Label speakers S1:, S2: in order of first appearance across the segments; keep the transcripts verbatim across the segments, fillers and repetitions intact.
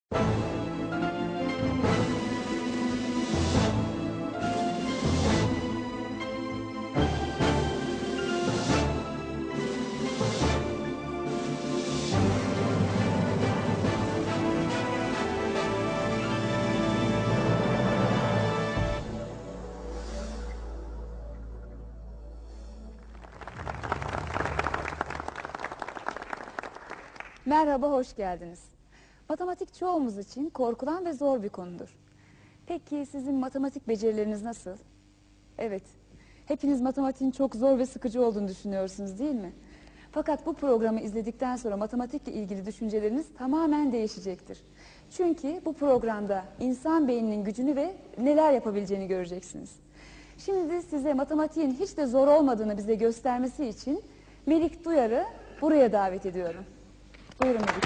S1: Merhaba, hoş geldiniz. Matematik çoğumuz için korkulan ve zor bir konudur. Peki sizin matematik becerileriniz nasıl? Evet, hepiniz matematiğin çok zor ve sıkıcı olduğunu düşünüyorsunuz değil mi? Fakat bu programı izledikten sonra matematikle ilgili düşünceleriniz tamamen değişecektir. Çünkü bu programda insan beyninin gücünü ve neler yapabileceğini göreceksiniz. Şimdi size matematiğin hiç de zor olmadığını bize göstermesi için Melik Duyar'ı buraya davet ediyorum. Buyurun Melik.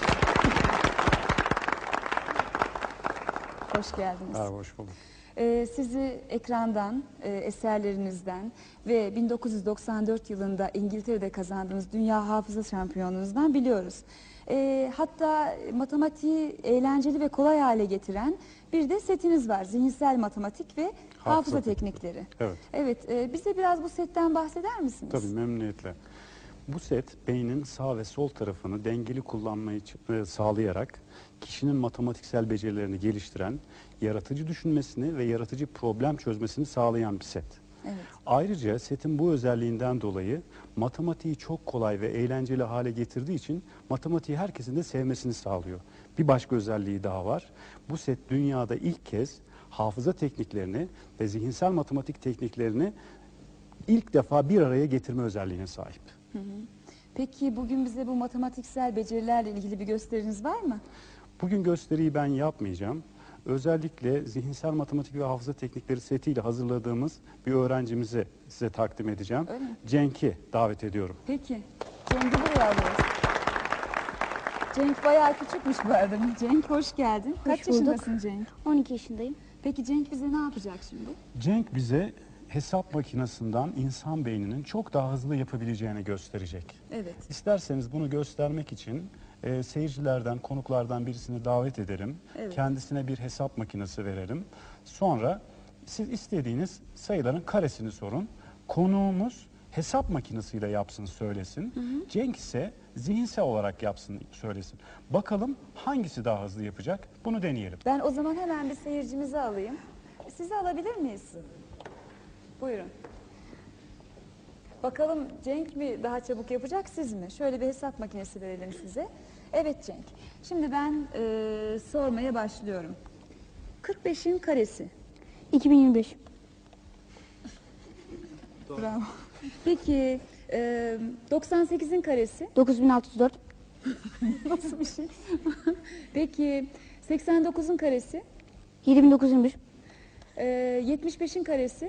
S1: Hoş geldiniz.
S2: Merhaba, hoş bulduk.
S1: Ee, sizi ekrandan, e, eserlerinizden ve bin dokuz yüz doksan dört yılında İngiltere'de kazandığınız Dünya Hafıza Şampiyonluğunuzdan biliyoruz. Ee, hatta matematiği eğlenceli ve kolay hale getiren bir de setiniz var. Zihinsel matematik ve hafıza, hafıza teknikleri.
S2: Evet.
S1: Evet, e, bize biraz bu setten bahseder misiniz?
S2: Tabii, memnuniyetle. Bu set beynin sağ ve sol tarafını dengeli kullanmayı e, sağlayarak kişinin matematiksel becerilerini geliştiren, yaratıcı düşünmesini ve yaratıcı problem çözmesini sağlayan bir set.
S1: Evet.
S2: Ayrıca setin bu özelliğinden dolayı matematiği çok kolay ve eğlenceli hale getirdiği için matematiği herkesin de sevmesini sağlıyor. Bir başka özelliği daha var. Bu set dünyada ilk kez hafıza tekniklerini ve zihinsel matematik tekniklerini ilk defa bir araya getirme özelliğine sahip.
S1: Hı hı. Peki bugün bize bu matematiksel becerilerle ilgili bir gösteriniz var mı?
S2: Bugün gösteriyi ben yapmayacağım. Özellikle zihinsel matematik ve hafıza teknikleri setiyle hazırladığımız bir öğrencimizi size takdim edeceğim.
S1: Öyle mi?
S2: Cenk'i davet ediyorum.
S1: Peki. Cenk'i buraya alıyoruz. Cenk bayağı küçükmüş bu arada. Cenk hoş geldin. Kaç
S3: Hoş bulduk.
S1: yaşındasın Cenk?
S3: on iki yaşındayım.
S1: Peki Cenk bize ne yapacak şimdi?
S2: Cenk bize hesap makinesinden insan beyninin çok daha hızlı yapabileceğini gösterecek.
S1: Evet.
S2: İsterseniz bunu göstermek için e, seyircilerden, konuklardan birisini davet ederim.
S1: Evet.
S2: Kendisine bir hesap makinesi verelim. Sonra siz istediğiniz sayıların karesini sorun. Konuğumuz hesap makinesiyle yapsın, söylesin. Hı hı. Cenk ise zihinsel olarak yapsın, söylesin. Bakalım hangisi daha hızlı yapacak? Bunu deneyelim.
S1: Ben o zaman hemen bir seyircimizi alayım. Sizi alabilir miyiz? Buyurun. Bakalım Cenk mi daha çabuk yapacak, siz mi? Şöyle bir hesap makinesi verelim size. Evet Cenk. Şimdi ben e, sormaya başlıyorum. kırk beşin karesi.
S3: iki bin yirmi beş.
S1: Bravo. Peki e, doksan sekizin karesi.
S3: dokuz bin altı yüz dört.
S1: Nasıl bir şey? Peki seksen dokuzun karesi.
S3: yedi bin dokuz yüz yirmi bir.
S1: E, yetmiş beşin karesi.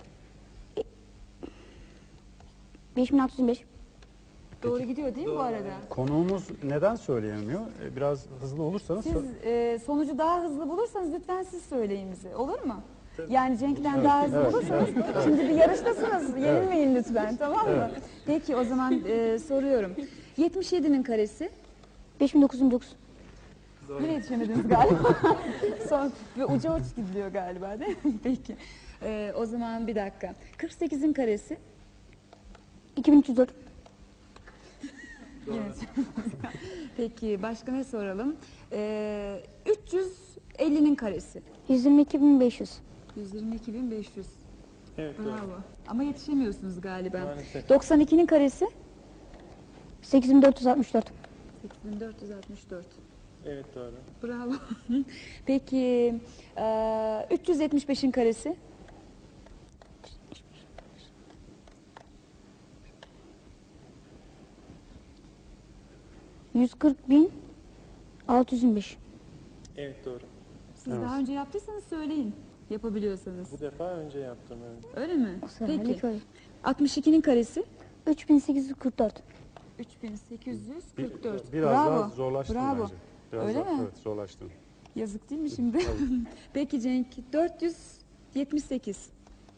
S3: beş bin altı yüz yirmi beş.
S1: Doğru gidiyor değil mi bu arada?
S2: Konuğumuz neden söyleyemiyor? E, Biraz hızlı olursanız...
S1: Siz
S2: sö-
S1: e, sonucu daha hızlı bulursanız lütfen siz söyleyin bize. Olur mu? Yani Cenk'ten daha hızlı
S2: evet,
S1: bulursanız şimdi bir yarıştasınız. Yenilmeyin lütfen, tamam mı? Peki o zaman e, soruyorum. yetmiş yedinin karesi.
S3: beş bin dokuz yüz yirmi dokuz.
S1: Yine yetişemediniz galiba. Son ve uca uç gidiliyor galiba değil mi? Peki. E, o zaman bir dakika. kırk sekizin karesi.
S3: iki bin üç yüz dört.
S1: Yine Peki başka ne soralım? E, üç yüz ellinin karesi.
S3: yüz yirmi iki bin beş yüz.
S1: yüz yirmi iki bin beş yüz.
S4: Evet,
S1: Bravo.
S4: doğru.
S1: Ama yetişemiyorsunuz galiba.
S4: Maalesef.
S1: doksan ikinin karesi.
S3: sekiz bin dört yüz altmış dört.
S1: sekiz bin dört yüz altmış dört.
S4: Evet, doğru.
S1: Bravo. Peki e, üç yüz yetmiş beşin karesi.
S3: yüz kırk bin altı yüz yirmi beş.
S4: Evet, doğru.
S1: Siz
S2: Evet.
S1: daha önce yaptıysanız söyleyin. Yapabiliyorsanız.
S4: Bu defa önce yaptım, evet.
S1: Öyle mi?
S3: Seferlik
S1: Peki.
S3: öyle.
S1: altmış ikinin karesi.
S3: üç bin sekiz yüz kırk dört.
S1: üç bin sekiz yüz
S2: Bir-
S1: kırk dört.
S2: Biraz
S1: Bravo.
S2: daha zorlaştı
S1: Bravo.
S2: bence. Biraz
S1: Öyle
S2: daha,
S1: mi?
S2: Evet, zorlaştı.
S1: Yazık değil mi şimdi? Peki Cenk. dört yüz yetmiş sekiz.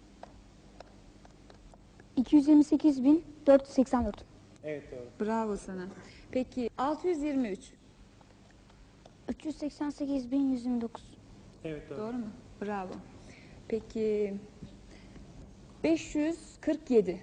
S3: iki yüz yirmi sekiz bin dört yüz seksen dört.
S4: Evet, doğru.
S1: Bravo sana. Peki altı yüz yirmi üç.
S3: üç yüz seksen sekiz bin yüz yirmi dokuz.
S4: Evet doğru.
S1: Doğru mu? Bravo. Peki beş yüz kırk yedi.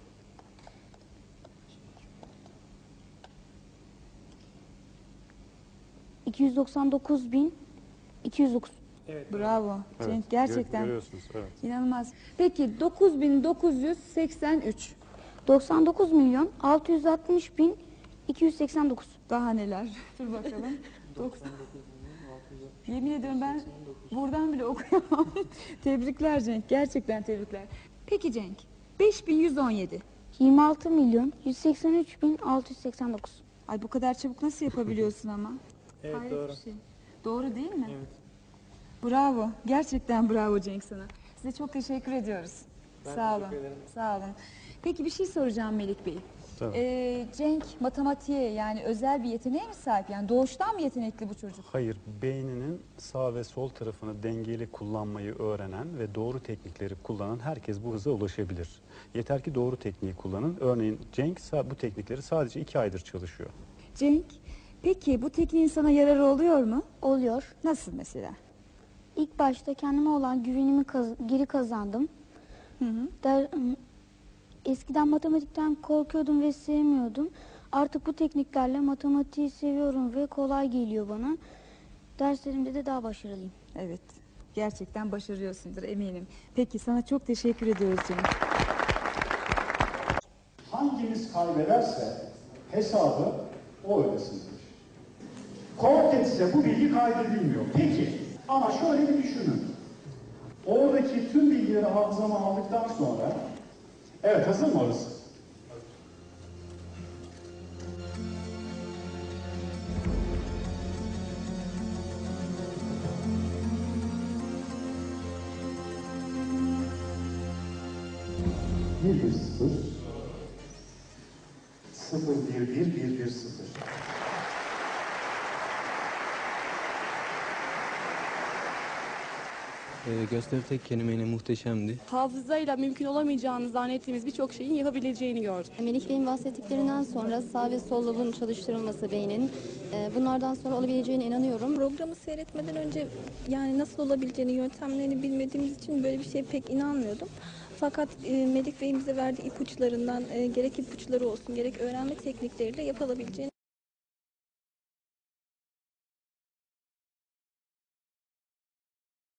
S3: iki yüz doksan dokuz bin iki yüz dokuz.
S4: Evet doğru.
S1: Bravo.
S2: Evet,
S1: Cenk
S2: gör-
S1: gerçekten
S2: Görüyorsunuz, evet.
S1: inanılmaz. Peki dokuz bin dokuz yüz seksen üç.
S3: doksan dokuz milyon altı yüz altmış bin iki yüz seksen dokuz.
S1: Daha neler? Dur bakalım. doksan. Yemin ediyorum ben buradan bile okuyamam. Tebrikler Cenk. Gerçekten tebrikler. Peki Cenk. beş bin yüz on yedi.
S3: yirmi altı milyon yüz seksen üç bin altı yüz seksen dokuz.
S1: Ay bu kadar çabuk nasıl yapabiliyorsun ama?
S4: Evet
S1: Hayret
S4: doğru.
S1: bir şey. Doğru değil mi?
S4: Evet.
S1: Bravo. Gerçekten bravo Cenk sana. Size çok teşekkür ediyoruz.
S4: Ben
S1: Sağ olun.
S4: teşekkür ederim.
S1: Sağ olun. Peki bir şey soracağım Melik Bey.
S2: Tabii.
S1: Ee, Cenk matematiğe yani özel bir yeteneğe mi sahip? Yani doğuştan mı yetenekli bu çocuk?
S2: Hayır, beyninin sağ ve sol tarafını dengeli kullanmayı öğrenen ve doğru teknikleri kullanan herkes bu hıza ulaşabilir. Yeter ki doğru tekniği kullanın. Örneğin Cenk sa- bu teknikleri sadece iki aydır çalışıyor.
S1: Cenk, peki bu tekniğin sana yararı oluyor mu?
S3: Oluyor.
S1: Nasıl mesela?
S3: İlk başta kendime olan güvenimi kaz- geri kazandım.
S1: Hı hı.
S3: Der, eskiden matematikten korkuyordum ve sevmiyordum. Artık bu tekniklerle matematiği seviyorum ve kolay geliyor bana. Derslerimde de daha başarılıyım.
S1: Evet. Gerçekten başarıyorsundur eminim. Peki sana çok teşekkür ediyoruz Cenk.
S5: Hangimiz kaybederse hesabı o ödesin. Kortekse bu bilgi kaydedilmiyor. Peki ama şöyle bir düşünün. Oradaki tüm bilgileri hafızama aldıktan sonra evet hazır mı orası? Bir bir sıfır sıfır bir bir bir bir sıfır.
S6: Ee, gösteri tek kelimeyle muhteşemdi.
S7: Hafızayla mümkün olamayacağını zannettiğimiz birçok şeyin yapabileceğini gördük.
S8: Melik Bey'in bahsettiklerinden sonra sağ ve sol lobun çalıştırılması beynin, e, bunlardan sonra olabileceğine inanıyorum.
S9: Programı seyretmeden önce yani nasıl olabileceğini, yöntemlerini bilmediğimiz için böyle bir şeye pek inanmıyordum. Fakat e, Melik Bey'in bize verdiği ipuçlarından e, gerek ipuçları olsun gerek öğrenme teknikleriyle yapılabileceğini